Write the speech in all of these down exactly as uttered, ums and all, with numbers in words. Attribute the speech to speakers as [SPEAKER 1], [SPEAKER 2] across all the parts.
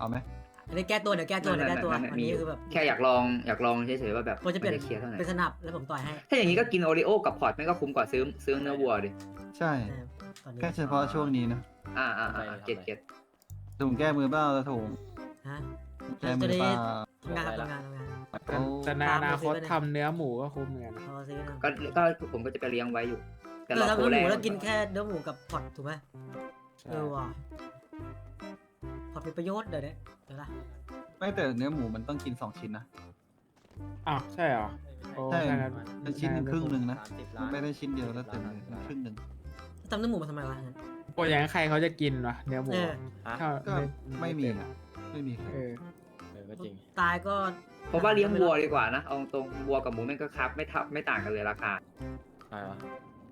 [SPEAKER 1] เอาไหม
[SPEAKER 2] อันนี้แก้ตัวเดี๋ยวแก้ตัวเดี๋ยวแก้ตัวอันนี้คือแบบ
[SPEAKER 3] แค่อยากลองอยากลองเฉยๆว่าแบบ
[SPEAKER 2] ควรจะเปลี่ยน
[SPEAKER 3] เคลียร์เท่าไหร่
[SPEAKER 2] เป็นสนับแล้วผมต่อยให้
[SPEAKER 3] ถ้าอย่างนี้ก็กินโอริโอกับพอร์ตไม่ก็คุ้มกว่าซื้อซื้อเนื้อวัวดิ
[SPEAKER 1] ใช่
[SPEAKER 2] เออตอนนี้
[SPEAKER 1] แค่เฉพาะช่วงนี้นะ
[SPEAKER 3] อ่าอ่าอ่าเก็ตเก็ต
[SPEAKER 1] ถุงแก้มือเปล่าตะถุง
[SPEAKER 2] ฮะ
[SPEAKER 1] แก้มือเปล่า
[SPEAKER 2] ทำงานครับทำงานทำงาน
[SPEAKER 1] เขา
[SPEAKER 4] แต่ในอนาคตทำเนื้อหมูก็คุ้มเหมือนกัน
[SPEAKER 2] พอซื้อนะ
[SPEAKER 3] ก็ก็ผมก็จะไปเลี้ยงไว้อยู่ แต่
[SPEAKER 2] เอ
[SPEAKER 3] ร
[SPEAKER 2] อ
[SPEAKER 3] อ
[SPEAKER 2] ทำ
[SPEAKER 3] โค
[SPEAKER 2] เนื้อห
[SPEAKER 3] แร
[SPEAKER 2] มู
[SPEAKER 3] ง
[SPEAKER 2] แล้วกินแค่เนื้อหมูกับพอตถูกไหมเออว่ะพอตเป็นประโยชน์เดี๋ยวนี้เดี๋ยวนะ
[SPEAKER 1] ไม่แต่เนื้อหมูมันต้องกินสองชิ้นนะ
[SPEAKER 4] อ้าวใช่เหรอโอ้
[SPEAKER 1] ใช่
[SPEAKER 4] ถ้างั้น
[SPEAKER 1] แต่ชิ้นหนึ่งครึ่งหนึ่งนะ
[SPEAKER 5] สามสิบล้าน
[SPEAKER 1] ไม่ได้ชิ้นเดียวแล้วเต็มเลยครึ่งหนึ่ง
[SPEAKER 2] ทำเนื้อหมูมาทำไมวะงั้น
[SPEAKER 4] โอ้ยอย่างนั้นใครเขาจะกินวะเนื้อหมู
[SPEAKER 2] เออ
[SPEAKER 4] ถ้า
[SPEAKER 1] ก็ไม่มีอะไม่มี
[SPEAKER 4] เออ
[SPEAKER 5] เออก็จริง
[SPEAKER 2] ตายก็
[SPEAKER 3] เพราะว่าเลี้ยงวัวดีกว่านะเอาตรงวัวกับหมูแม่งก็ครับไม่ทับไม่ต่างกันเลยราคา
[SPEAKER 5] ใช่ปะ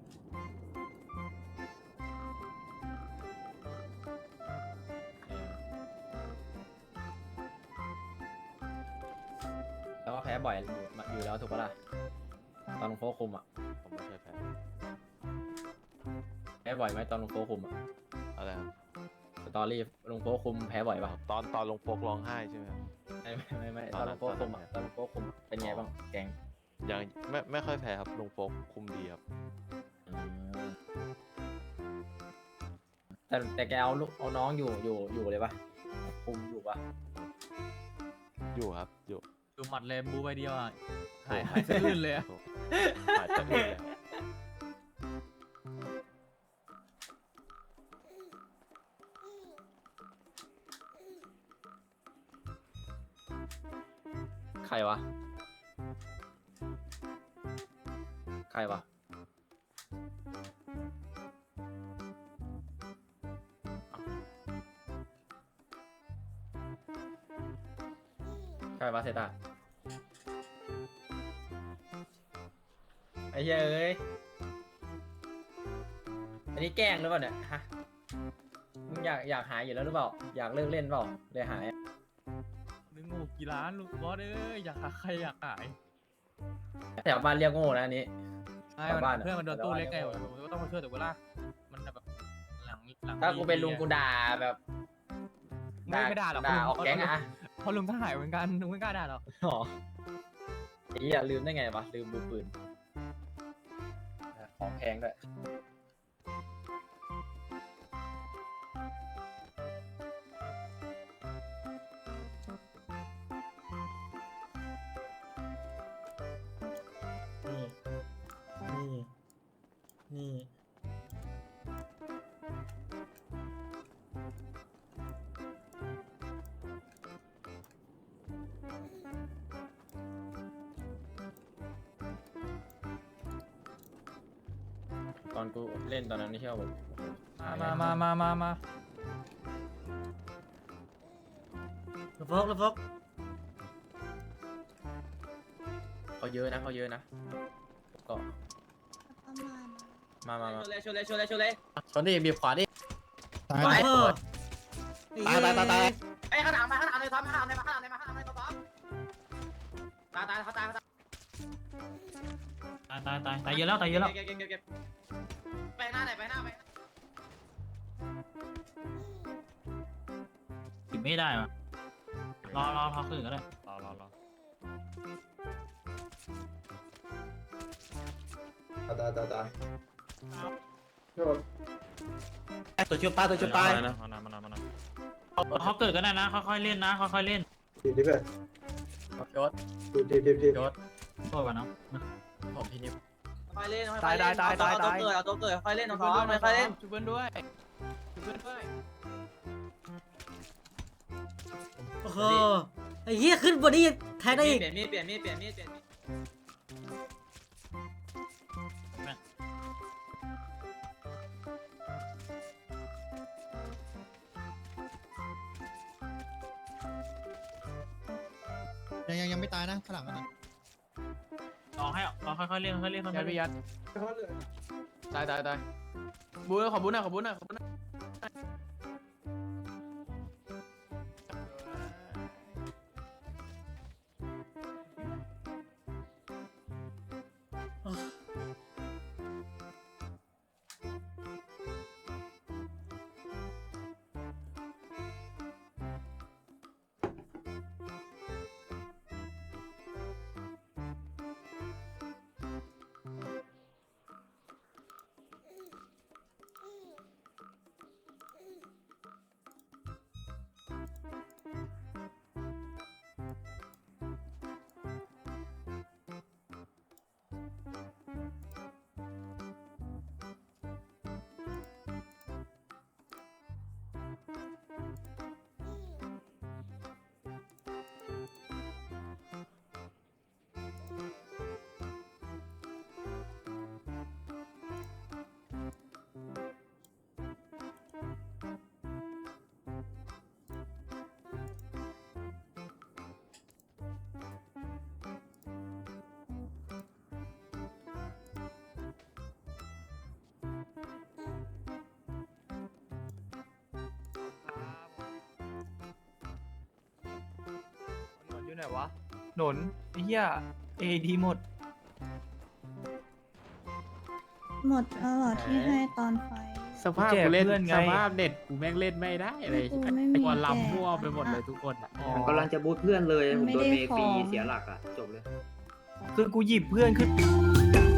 [SPEAKER 5] แล้วก็แพ้บ่อยอยู่อยู่แล้วถูกปะล่ะตอนลงโฟคุมอ่ะ
[SPEAKER 6] ผมไม่เคยแพ้
[SPEAKER 5] แพ้บ่อยไหมตอนลงโฟคุมอ่ะ
[SPEAKER 6] อะไรครับ
[SPEAKER 5] สตอรี่ลงโฟคุมแพ้บ่อยป่ะ
[SPEAKER 6] ตอนตอนลงโฟกร้องไห้ใช่ไหมครับ
[SPEAKER 5] ไม่ไม่ไม่ไม่
[SPEAKER 6] ต
[SPEAKER 5] ต
[SPEAKER 6] อ
[SPEAKER 5] อน น
[SPEAKER 6] นั้
[SPEAKER 5] ล
[SPEAKER 6] น
[SPEAKER 5] งโฟคุมอ่ะตอนลงโฟคุมอะเป็นไงบ้างแกง
[SPEAKER 6] ยังไม่ไม่ค่อยแพ้ครับลงโฟกคุมดีครับ
[SPEAKER 5] อืมแต่แต่แกเอาลูกเอาน้องอยู่อยู่อยู่เลยปะคุมอยู่ปะ
[SPEAKER 6] อยู่ครับอยู่
[SPEAKER 7] ดูหมัดเลยบูไปเดียวอ่ะหายหายสะอื้นเลยอะ
[SPEAKER 6] หายจากเลยครับ
[SPEAKER 5] ใครวะใครวะใครวะเซตาไอ้เหี้ยเอ้ยอันนี้แกล้งหรือเปล่าเนี่ยฮะมึงอยากอยากหายอยู่แล้วหรือเปล่าอยากเลิกเล่นเปล่าเลยหาย
[SPEAKER 7] นึงโง่กี่ล้านลูกบอสเอ้ยอยากหาใครอยากขาย
[SPEAKER 5] แถวบ้านเรียกโง่นะอันนี้
[SPEAKER 7] ไอ้
[SPEAKER 5] ชาวบ้าน
[SPEAKER 7] เพื่อนมันโดนตู้เล็กไง
[SPEAKER 5] ชาวบ้าน
[SPEAKER 7] ผมก็ต้องมาช่วยแต่เวลามันแบบหลังหลัง
[SPEAKER 5] ถ้ากูเป็นลุงกูด่าแบบ
[SPEAKER 7] ไม่ไม่ด่าหรอก
[SPEAKER 5] ด่าออกแก๊งอะ
[SPEAKER 7] เพราะลุงก็หายเหมือนกันลุงไม่กล้าด่าหรอก
[SPEAKER 5] อ๋อไอ้เหี้ยลืมได้ไงวะลืมมือปืนของแพงด้วย
[SPEAKER 2] นี่นี่นี่
[SPEAKER 5] ตอนกูเล่นตอนนั้นนี่เที่ยวแบบ
[SPEAKER 7] มามามามามา
[SPEAKER 2] ระฟกระฟก
[SPEAKER 5] เขาเยอะนะเขาเยอะนะก็มามามาชนเลยชนเลยชนเลยชนเลยชนดิบีบขวาดิ
[SPEAKER 2] ตายตายตายตายตาย
[SPEAKER 5] ไอ้ข้างหลังมาข้างหลังเลยซ้อมข้างหลังเลยมาข้างหลังเลยมาข้างหลังเลยซ้อมตายตายเขาตายเขาตาย
[SPEAKER 7] ตายตายตายตายเยอะแล้วตายเยอะแล้ว
[SPEAKER 5] เก็บเก็บเก็บเก็บไปหน้าไหนไปหน้าไป
[SPEAKER 7] ปิดไม่ได้ว่ะรอรอรอคืนก็ได้
[SPEAKER 6] รอรอรอ
[SPEAKER 3] ตายตายตาย
[SPEAKER 2] ตัวชุบตายตัวชุบตาย
[SPEAKER 6] นะมานานมานานมานาน
[SPEAKER 7] เขาเกิดก็ได้นะค่อยๆเล่นนะค่อยๆเล่น
[SPEAKER 3] ดีดีเพื่อน
[SPEAKER 5] ยศ
[SPEAKER 3] ดีดีดีดี
[SPEAKER 5] ยศ
[SPEAKER 7] โทษก่อนเนาะ
[SPEAKER 5] ผมพี่นิว
[SPEAKER 8] ค่อยเล่นค่อยเล่นเอาตัวเกิดเอาตัวเกิดค่อยเล่นน้องๆค่อยเล่น
[SPEAKER 7] ช่วยเพื่อนด้วยช่วยเพื่อนด้วย
[SPEAKER 2] โอ้โหไอ้เหี้ยขึ้นบนนี้แทงได้อีก
[SPEAKER 8] เปลี่ยนมีดเปลี่ยนมีดเปลี่ยนมีดเปลี่ยนมีด
[SPEAKER 9] ยังยังยังไม่ตายนะข้างหลังมันนะ
[SPEAKER 7] ลองให้ลองค่อยๆเล่นค่อยๆเล่นค่อยๆ
[SPEAKER 4] ยัด
[SPEAKER 7] เล่น
[SPEAKER 4] พี่ยัดตายตายตายบูขอบุญหน่อยขอบุญหน่อยขอบุญหน่อยไหนวะหนนไอ้เหี้ยเอดีหมด
[SPEAKER 10] หมดแล้วเหรอที่ให้ตอนไฟ
[SPEAKER 7] สภาพ
[SPEAKER 4] แจก
[SPEAKER 7] กูเล่น
[SPEAKER 4] เพื่อนไง
[SPEAKER 7] สภาพเน็ตกูแม่งเล่นไม่ได้เลย
[SPEAKER 10] กูไม่มี
[SPEAKER 7] ตัว
[SPEAKER 10] แจก
[SPEAKER 7] ลำมั่วไปหมดเลยทุกคนอ่ะ
[SPEAKER 3] ผมกำลังจะบูทเพื่อนเลย
[SPEAKER 10] มัน
[SPEAKER 3] ผม
[SPEAKER 10] ไม่
[SPEAKER 3] โดน
[SPEAKER 10] ได้
[SPEAKER 3] เมฟรี
[SPEAKER 10] ของ
[SPEAKER 3] เสียหลักอ่ะ จบเลย
[SPEAKER 4] คือกูหยิบเพื่อนขึ้น